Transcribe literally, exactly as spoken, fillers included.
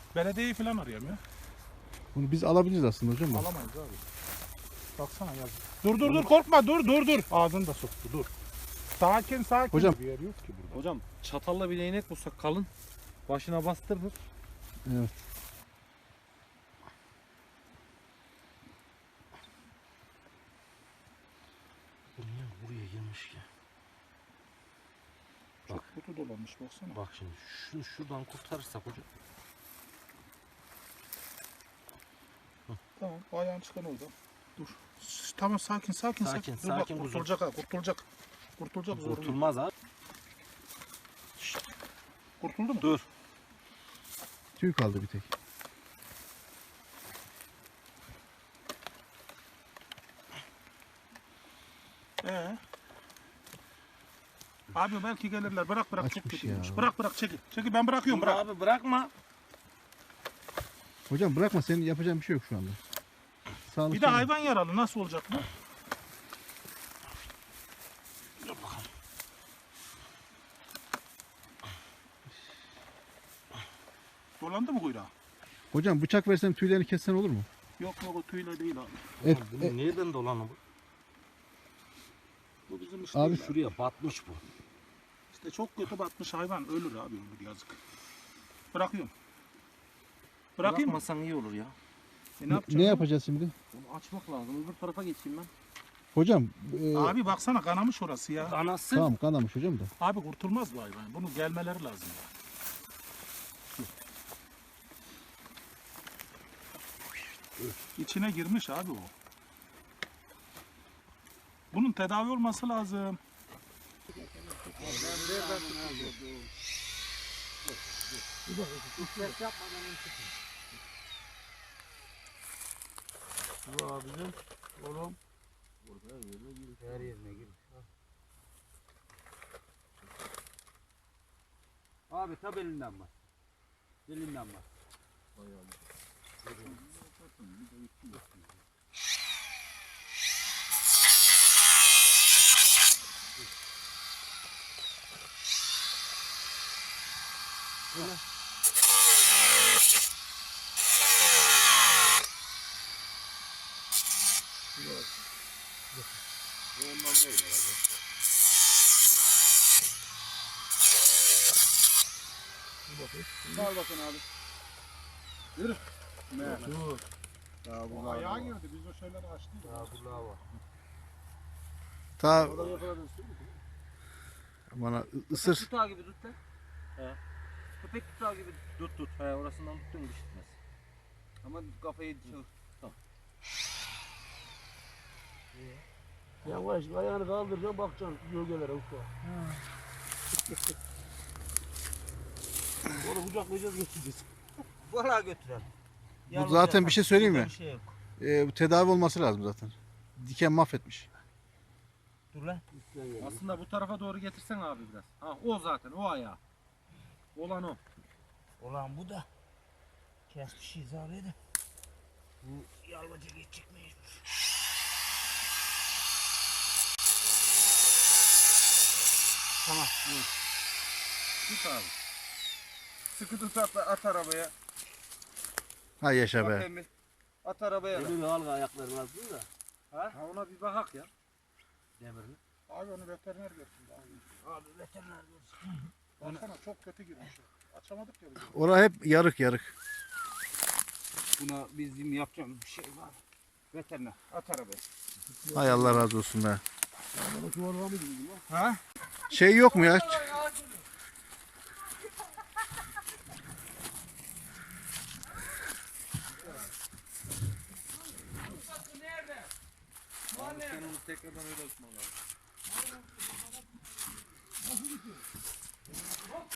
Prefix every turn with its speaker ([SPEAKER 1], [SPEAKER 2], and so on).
[SPEAKER 1] Belediyeyi falan arıyorum ya.
[SPEAKER 2] Bunu biz alabiliriz aslında hocam da.
[SPEAKER 1] Alamayız abi. Baksana yaz. Dur dur dur korkma dur dur dur. Ağzını da soktu dur. Sakin sakin.
[SPEAKER 2] Hocam.
[SPEAKER 1] Bir yer yok ki burada.
[SPEAKER 3] Hocam çatalla bir değnek bulsak kalın. Başına bastırır.
[SPEAKER 2] Evet.
[SPEAKER 4] Bu niye buraya girmiş ki?
[SPEAKER 1] Çok kutu dolanmış baksana.
[SPEAKER 4] Bak şimdi şunu şuradan kurtarırsak hocam.
[SPEAKER 1] Tamam ayağın çıkan orada. Dur. Şş, Tamam sakin sakin
[SPEAKER 4] Sakin,
[SPEAKER 1] sakin. Dur bak
[SPEAKER 4] sakin kuzum.
[SPEAKER 1] kurtulacak ha kurtulacak. Kurtulacak zor.
[SPEAKER 4] Kurtulmaz abi.
[SPEAKER 1] Kurtuldu mu?
[SPEAKER 4] Dur.
[SPEAKER 2] Tüy kaldı bir tek.
[SPEAKER 1] Ee. Abi belki gelirler. Bırak bırak çok
[SPEAKER 2] Açmış
[SPEAKER 1] kötüymüş.
[SPEAKER 2] ya.
[SPEAKER 1] Bırak bırak çekil. Çekil ben bırakıyorum
[SPEAKER 4] Dur
[SPEAKER 1] bırak.
[SPEAKER 4] abi bırakma.
[SPEAKER 2] Hocam bırakma, senin yapacağın bir şey yok şu anda. Sağlık
[SPEAKER 1] Bir de hayvan yaralı nasıl olacak bu?
[SPEAKER 4] Dur bakalım.
[SPEAKER 1] Dolandı mı kuyruğa?
[SPEAKER 2] Hocam bıçak versem tüylerini kessen olur mu?
[SPEAKER 1] Yok yok o tüyle değil abi.
[SPEAKER 2] Et,
[SPEAKER 4] Bu
[SPEAKER 2] et-
[SPEAKER 4] nereden dolanı bu?
[SPEAKER 1] Bu bizim işte.
[SPEAKER 2] Abi
[SPEAKER 1] değil
[SPEAKER 4] Şuraya batmış bu.
[SPEAKER 1] İşte çok kötü batmış hayvan ölür abi ölür yazık. Bırakıyorum. Bırakayım mı?
[SPEAKER 4] Bırakmasan iyi olur ya.
[SPEAKER 1] E, ne,
[SPEAKER 2] ne,
[SPEAKER 1] yapacağım
[SPEAKER 2] ne
[SPEAKER 1] ben?
[SPEAKER 2] yapacağız şimdi?
[SPEAKER 4] Onu açmak lazım. Öbür tarafa geçeyim ben.
[SPEAKER 2] Hocam e,
[SPEAKER 1] Abi baksana kanamış orası ya.
[SPEAKER 4] Anası.
[SPEAKER 2] tamam kanamış hocam da.
[SPEAKER 1] Abi kurtulmaz bu hayvan. Bunu gelmeleri lazım ya. İçine girmiş abi o. Bunun tedavi olması lazım.
[SPEAKER 4] Bu abicim. Oğlum. Burada yerine gir. Her yerine gir. Abi tab elinden bak. Elinden bak.
[SPEAKER 1] Sağ bakın abi. Yürü. Dur. O ayağa girdi. Biz o şeyleri açtık.
[SPEAKER 2] Ta bana ısır.
[SPEAKER 4] Tutağı gibi tut lan. He. Köpek tutağı gibi tut tut. He orasından tuttun bir şey tutmaz. Ama kafayı çevir. Tamam.
[SPEAKER 5] Yavaş ayağını kaldıracaksın bakacaksın gölgelere usta. Onu kucaklayacağız götüreceğiz.
[SPEAKER 4] Vallahi götürelim.
[SPEAKER 2] Bu zaten bir şey söyleyeyim mi?
[SPEAKER 4] Bir şey yok.
[SPEAKER 2] E, bu tedavi olması lazım zaten. Diken mahvetmiş.
[SPEAKER 4] Dur lan. Aslında bu tarafa doğru getirsen abi biraz. Ha o zaten o ayağı. Olan o.
[SPEAKER 5] Ulan bu da kesmişiz abi de. Bu yalvaca geçecek mecbur.
[SPEAKER 4] Tamam. Hı. Tut abi. Sıkı tut at, at arabaya.
[SPEAKER 2] Ha yaşa
[SPEAKER 4] Bak
[SPEAKER 2] be.
[SPEAKER 4] Emil. At arabaya.
[SPEAKER 5] Elini al ayaklarını azdın da.
[SPEAKER 4] Ha? ha ona bir bakak ya. Demirini.
[SPEAKER 1] Abi onu veteriner götürdü abi.
[SPEAKER 5] Abi veteriner görsün.
[SPEAKER 1] Baksana çok kötü girmiş. Açamadık ya biz.
[SPEAKER 2] Orası hep yarık yarık.
[SPEAKER 4] Buna bizim yapacağımız bir şey var. Veteriner. At arabaya.
[SPEAKER 2] Hay Allah razı olsun be.
[SPEAKER 5] Bana çuvala mı gidiyor lan?
[SPEAKER 4] Ha?
[SPEAKER 2] Şey yok mu ya?
[SPEAKER 3] Sen onu tekrardan öyle açman lazım.